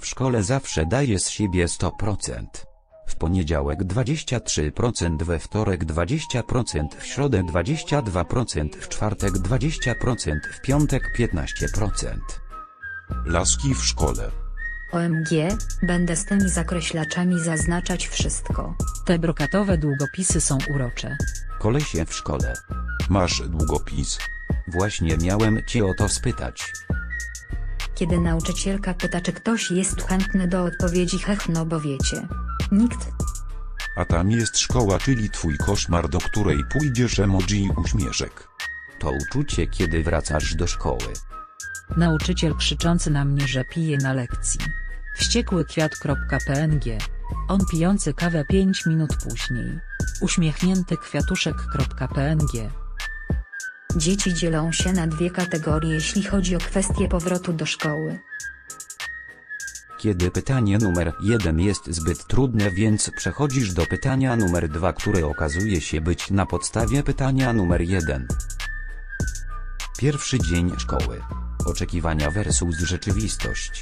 szkole zawsze daje z siebie 100%. W poniedziałek 23%, we wtorek 20%, w środę 22%, w czwartek 20%, w piątek 15%. Laski w szkole. OMG, będę z tymi zakreślaczami zaznaczać wszystko. Te brokatowe długopisy są urocze. Kolesie w szkole. Masz długopis? Właśnie miałem cię o to spytać. Kiedy nauczycielka pyta, czy ktoś jest chętny do odpowiedzi, no bo wiecie. Nikt. A tam jest szkoła, czyli twój koszmar, do której pójdziesz, emoji uśmieszek. To uczucie, kiedy wracasz do szkoły. Nauczyciel krzyczący na mnie, że pije na lekcji. Wściekły kwiat.png. On pijący kawę 5 minut później. Uśmiechnięty kwiatuszek.png. Dzieci dzielą się na dwie kategorie, jeśli chodzi o kwestię powrotu do szkoły. Kiedy pytanie numer 1 jest zbyt trudne, więc przechodzisz do pytania numer 2, które okazuje się być na podstawie pytania numer 1. Pierwszy dzień szkoły. Oczekiwania versus rzeczywistość.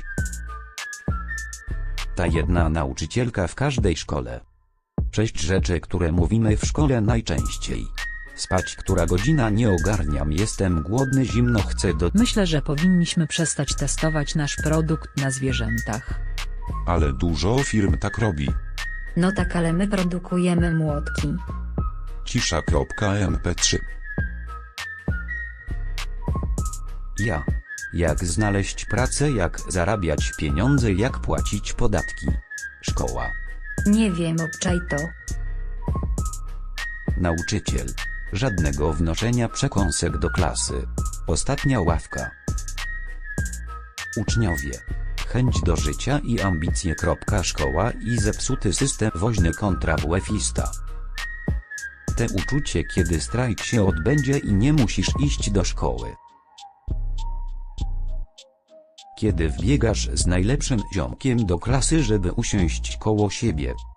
Ta jedna nauczycielka w każdej szkole. 6 rzeczy, które mówimy w szkole najczęściej. Spać, która godzina, nie ogarniam, jestem głodny, zimno, chcę do... Myślę, że powinniśmy przestać testować nasz produkt na zwierzętach. Ale dużo firm tak robi. No tak, ale my produkujemy młotki. Cisza.mp3. Ja. Jak znaleźć pracę, jak zarabiać pieniądze, jak płacić podatki. Szkoła. Nie wiem, obczaj to. Nauczyciel. Żadnego wnoszenia przekąsek do klasy. Ostatnia ławka. Uczniowie. Chęć do życia i ambicje. Szkoła i zepsuty system woźny kontra WF-ista. Te uczucie, kiedy strajk się odbędzie i nie musisz iść do szkoły. Kiedy wbiegasz z najlepszym ziomkiem do klasy, żeby usiąść koło siebie.